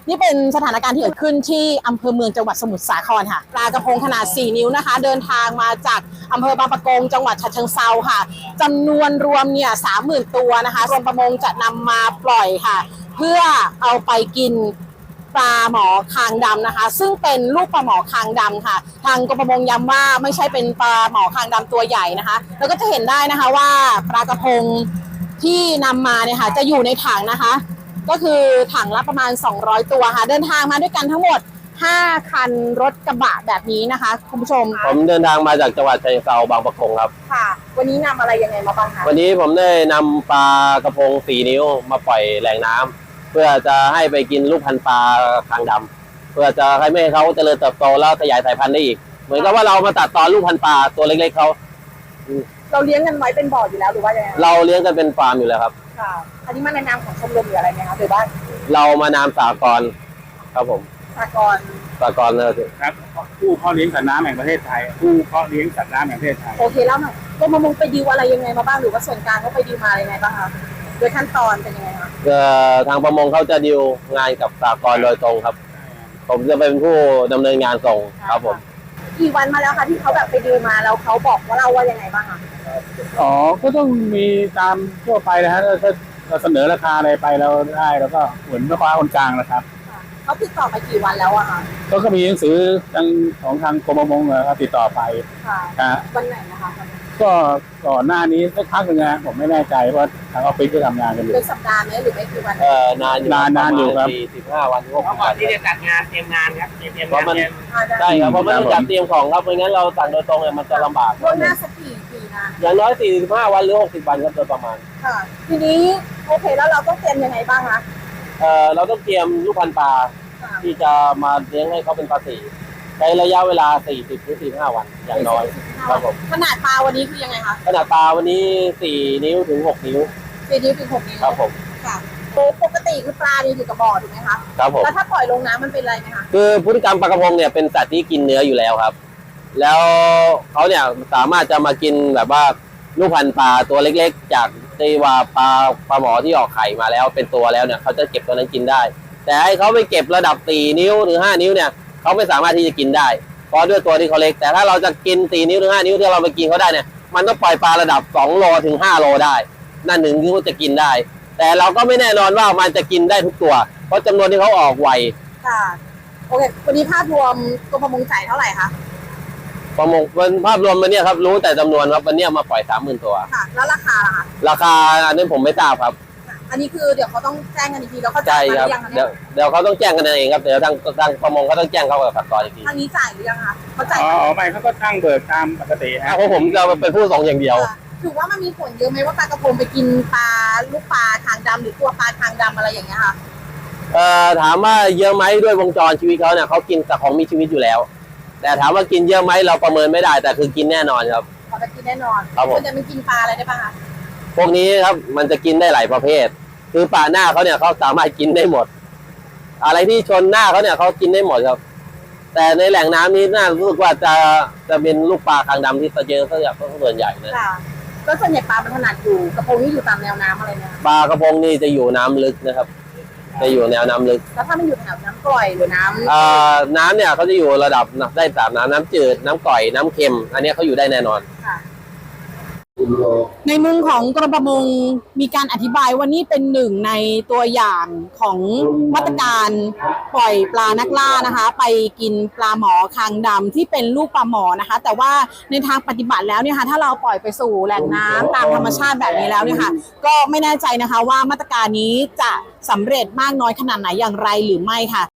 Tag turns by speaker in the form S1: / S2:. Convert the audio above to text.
S1: นี่เป็นสถานการณ์ที่เกิดขึ้นที่อำเภอเมืองจังหวัดสมุทรสาครค่ะปลากระพงขนาด4นิ้วนะคะเดินทางมาจากอำเภอบางปะกงจังหวัดฉะเชิงเทราค่ะจำนวนรวมเนี่ย30,000 ตัวนะคะกรมประมงจะนำมาปล่อยค่ะ เพื่อเอาไปกินปลาหมอคางดำนะคะซึ่งเป็นลูกปลาหมอคางดำค่ะทางกรมประมงย้ำว่าไม่ใช่เป็นปลาหมอคางดำตัวใหญ่นะคะแล้วก็จะเห็นได้นะคะว่าปลากระพงที่นำมาเนี่ยค่ะจะอยู่ในถังนะคะก็คือถังละประมาณ200ตัวค่ะเดินทางมาด้วยกันทั้งหมด5 คันรถกระบะแบบนี้นะคะคุณผู้ชม
S2: ผมเดินทางมาจากจังหวัดฉะเชิงเทราบางปะกงครับ
S1: ค่ะวันนี้นำอะไรยังไงมาบ้างคะ
S2: วันนี้ผมได้นำปลากระพง4 นิ้วมาปล่อยแหล่งน้ำเพื่อจะให้ไปกินลูกพันธุ์ปลาคางดำเพื่อจะให้ไม่ให้เขาเจริญเติบโตแล้วขยายสายพันธุ์ได้อีกเหมือนกับว่าเรามาตัดตอนลูกพันธุ์ปลาตัวเล็กๆเขา
S1: เราเลี้ยงกันไว้เป็นบ่ออยู่แล้วหรือว่ายังไง
S2: เราเลี้ยงกันเป็นฟาร์มอยู่แล้วครับ
S1: ค่ะอันนี้มาในนามของชมรมหรืออะไรไหมคะหรือว่า
S2: เรามานามสากลครับผม
S1: สากล
S3: ครับผู้เพาะเลี้ยงสัตว์น้ำแห่งประเทศไทยผู้เพาะเลี้ยงสัตว์น้ำแห่งประเทศไทย
S1: โอเคแล้วหน่อยกรมประมงไปดีลอะไรยังไงมาบ้างหรือว่าส่วนกลางเขาไปดีลมายังไงบ้างคะโดยขั้นตอนเป็นยังไงคะ
S2: ทางประมงเขาจะดีลงานกับสากลโดยตรงครับผมจะเป็นผู้ดำเนินงานส่งครับผม
S1: กี่วันมาแล้วคะที่เขาแบบไปดีลมาแล้วเขาบอกว่าเราว่ายังไงบ้างคะ
S3: อ๋อก็ต้องมีตามทั่วไปนะฮะถ้าเราเสนอราคาอะไรไปแล้วได้แล้วก็เหมือนแม่ค้าคนกลางนะครับ
S1: เขาติดต่อไปกี่วันแล้วอะคะ
S3: ก็มีหนังสือของทางกรมประมงติดต่อไป
S1: ค่ะวันไหนนะคะ
S3: ก็ก่อนหน้านี้สักพักหนึ่งนะผมไม่แน่ใจว่าทางออฟฟิศจะทำงานกันอยู่
S1: เป็นสัปดาห์ไหมหรือไม่กี่วัน
S2: นานอยู่ครับ
S3: 45
S2: วัน
S4: เพราะก่อนที่จะจัดงานเตรียมงานครับเตรียมงาน
S2: ใช่ครับเพราะมันต้องจัดเตรียมของครับไม่งั้นเราสั่งโดยตรงเนี่ยมันจะลำบาก
S1: ล่วงหน้าสักกี่นะ
S2: อย่างน้อย45 วันหรือ60 วันครับโดยประมาณ
S1: ค่ะทีนี้โอเคแล้วเราต้องเตรียมยังไงบ้างคะ
S2: เราต้องเตรียมลูกพันธุ์ปลาที่จะมาเลี้ยงให้เขาเป็นปลาสีใช้ระยะเวลา40 ถึง 45 วันอย่างน้อยครับผม
S1: ขนาดปลาวันนี้คือยังไงคะ
S2: ขนาดปลาวันนี้4 นิ้วถึง6 นิ้ว
S1: 4 นิ้วถึง6 นิ้ว
S2: ครับผม
S1: ค่ะปกติคือปลาเนี่ยอยู่กับบ่อถูกไหมคะ
S2: ครับผม
S1: แล้วถ้าปล่อยลงน้ำมันเป็นอะไรไหมคะ
S2: คือพฤติกรรมปลากระพงเนี่ยเป็นสัตว์ที่กินเนื้ออยู่แล้วครับแล้วเขาเนี่ยสามารถจะมากินแบบว่าลูกพันธุ์ปลาตัวเล็กๆจากที่ว่าปลาหมอที่ออกไข่มาแล้วเป็นตัวแล้วเนี่ยเขาจะเก็บตัวนั้นกินได้แต่ให้เขาไปเก็บระดับ4 นิ้วหรือ5 นิ้วเนี่ยเขาไม่สามารถที่จะกินได้เพราะด้วยตัวที่เขาเล็กแต่ถ้าเราจะกิน4 นิ้วหรือ5 นิ้วที่เราไปกินเขาได้เนี่ยมันต้องปล่อยปลาระดับ2 โลถึง5 โลได้นั่นถึงที่เขาจะกินได้แต่เราก็ไม่แน่นอนว่ามันจะกินได้ทุกตัวเพราะจำนวนที่เขาออกไว
S1: ค่ะโอเควันนี้ภาพรวมกรมประมงจ่ายเท่าไหร่คะ
S2: ประมงเป็นภาพรวมวันนี้ครับรู้แต่จำนวนครับวันนี้มาปล่อย30,000 ตัว
S1: ค่ะแล้วราคาล่ะคะ
S2: ราคาอันนี้ผมไม่ทราบครับ
S1: อันนี้คือเดี๋ยวเขาต้องแจ้งกันอีกทีแล้วเขาจ่าย
S2: ครับเดี๋ยวเขาต้องแจ้งกันเองครับเดี๋ยวทางประมงเขาต้องแจ้งเขากับสากลอีกที
S1: ทางนี้จ่ายหรือยังคะเขาจ่าย
S3: ไม่เขาก็ตั้งเบิกตามปกติฮะ
S2: เพราะผมจะเป็นผู้ส่งอย่างเดียว
S1: ถือว่ามันมีผลเยอะไหมว่าปลากระพงไปกินปลาลูกปลาคางดำหรือตัวปลาคางดำอะไรอย่างเงี้ยค่ะ
S2: ถามว่าเยอะไหมด้วยวงจรชีวิตเขาเนี่ยเขากินแต่ของมีชีวิตอยู่แล้วแต่ถามว่ากินเยอะไหมเราประเมินไม่ได้แต่คือกินแน่นอนครับ
S1: เขาจะกินแน่นอน
S2: ครับผม
S1: จะมันกินปลาอะไรได้บ้างคะ
S2: พวกนี้ครับมันจะกินได้หลายประเภทคือปลาหน้าเขาเนี่ยเขาสามารถกินได้หมดอะไรที่ชนหน้าเขาเนี่ยเขากินได้หมดครับแต่ในแหล่งน้ำนี้น่ารู้สึกว่าจะเป็นลูกปลาคางดำที่เจอส่วนใหญ่นะ
S1: ก็ส่วนใหญ่ปลามันถนัดอยู่กระพงนี่อยู่ตามแนวน้ำอะไรเนี่ย
S2: ปลากระพงนี่จะอยู่น้ำลึกนะครับจะอยู่แนวน้ำลึก
S1: แล้วถ้ามันอยู่แถวน้ำกร่อยหรือน้
S2: ำเนี่ยเขาจะอยู่ระดับได้3 น้ำจืดน้ำกร่อยน้ำเค็มอันนี้เขาอยู่ได้แน่นอน
S1: ในมุมของกรมประมงมีการอธิบายว่านี่เป็นหนึ่งในตัวอย่างของมาตรการปล่อยปลานักล่านะคะไปกินปลาหมอคางดำที่เป็นลูกปลาหมอนะคะแต่ว่าในทางปฏิบัติแล้วเนี่ยค่ะถ้าเราปล่อยไปสู่แหล่งน้ำตามธรรมชาติแบบนี้แล้วเนี่ยค่ะก็ไม่แน่ใจนะคะว่ามาตรการนี้จะสำเร็จมากน้อยขนาดไหนอย่างไรหรือไม่ค่ะ